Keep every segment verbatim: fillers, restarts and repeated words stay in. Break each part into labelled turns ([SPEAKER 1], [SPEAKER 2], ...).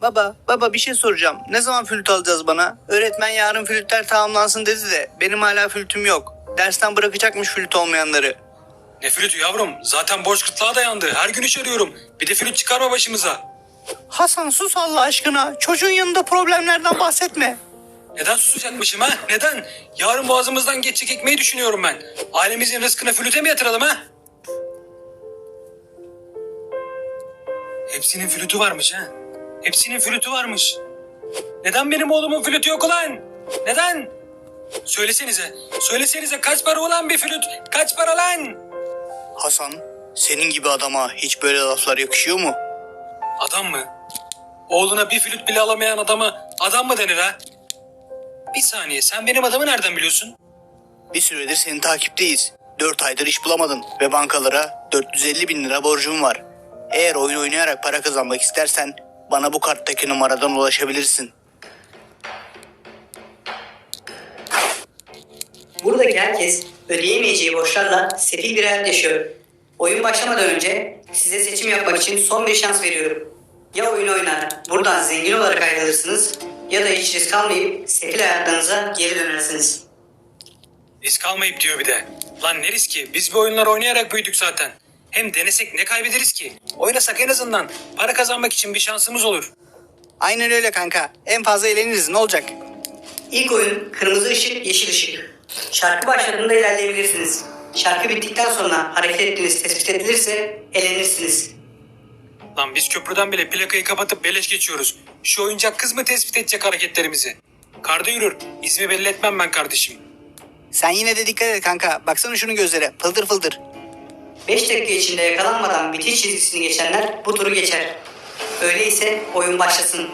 [SPEAKER 1] Baba, baba bir şey soracağım. Ne zaman flüt alacağız bana? Öğretmen yarın flütler tamamlansın dedi de benim hala flütüm yok. Dersten bırakacakmış flüt olmayanları.
[SPEAKER 2] Ne flütü yavrum? Zaten borç gırtlağa dayandı. Her gün iş arıyorum. Bir de flüt çıkarma başımıza.
[SPEAKER 1] Hasan sus Allah aşkına. Çocuğun yanında problemlerden bahsetme.
[SPEAKER 2] Neden susacakmışım ha? Neden? Yarın boğazımızdan geçecek ekmeği düşünüyorum ben. Ailemizin rızkını flüte mi yatıralım ha? Hepsinin flütü varmış ha. Hepsinin flütü varmış. Neden benim oğlumun flütü yok ulan? Neden? Söylesenize. Söylesenize kaç para ulan bir flüt? Kaç para lan?
[SPEAKER 1] Hasan, senin gibi adama hiç böyle laflar yakışıyor mu?
[SPEAKER 2] Adam mı? Oğluna bir flüt bile alamayan adama adam mı denir ha? Bir saniye, sen benim adamı nereden biliyorsun?
[SPEAKER 1] Bir süredir senin takipteyiz. Dört aydır iş bulamadın ve bankalara dört yüz elli bin lira borcum var. Eğer oyun oynayarak para kazanmak istersen bana bu karttaki numaradan ulaşabilirsin.
[SPEAKER 3] Buradaki herkes ödeyemeyeceği borçlarla sefil bir hayat yaşıyor. Oyun başlamadan önce size seçim yapmak için son bir şans veriyorum. Ya oyun oynar, buradan zengin olarak ayrılırsınız ya da hiç risk almayıp sefil hayatlarınıza geri dönersiniz.
[SPEAKER 2] Risk almayıp diyor bir de. Lan ne riski? Biz bu oyunlar oynayarak büyüdük zaten. Hem denesek ne kaybederiz ki? Oynasak en azından para kazanmak için bir şansımız olur.
[SPEAKER 1] Aynen öyle kanka. En fazla eğleniriz, ne olacak?
[SPEAKER 3] İlk oyun kırmızı ışık, yeşil ışık. Şarkı başladığında ilerleyebilirsiniz. Şarkı bittikten sonra hareket ettiğiniz tespit edilirse elenirsiniz.
[SPEAKER 2] Lan biz köprüden bile plakayı kapatıp beleş geçiyoruz. Şu oyuncak kız mı tespit edecek hareketlerimizi? Karda yürür. İsmi belli etmem ben kardeşim.
[SPEAKER 1] Sen yine de dikkat et kanka. Baksana şunun gözlere. Fıldır fıldır.
[SPEAKER 3] beş dakika içinde yakalanmadan bitiş çizgisini geçenler bu turu geçer. Öyleyse oyun başlasın.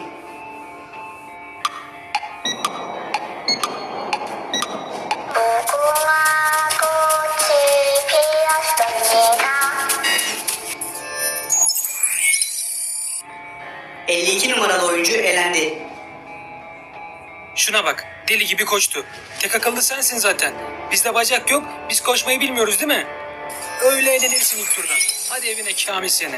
[SPEAKER 3] elli iki numaralı oyuncu elendi.
[SPEAKER 2] Şuna bak. Deli gibi koştu. Tek akıllı sensin zaten. Bizde bacak yok. Biz koşmayı bilmiyoruz değil mi? Öyle eğlenirsin ilk turdan. Hadi evine Kamil seni.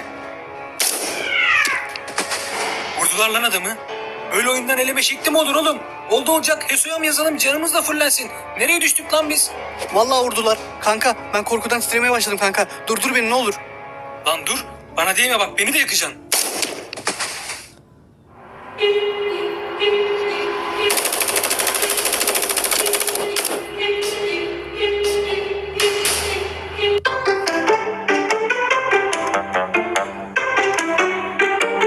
[SPEAKER 2] Vurdular lan adamı. Böyle oyundan eleme şekli mi olur oğlum? Oldu olacak. Heso'ya mı yazalım? Canımız da fırlansın. Nereye düştük lan biz?
[SPEAKER 1] Vallahi vurdular. Kanka ben korkudan titremeye başladım kanka. Durdur beni ne olur.
[SPEAKER 2] Lan dur. Bana değme bak. Beni de yakacaksın.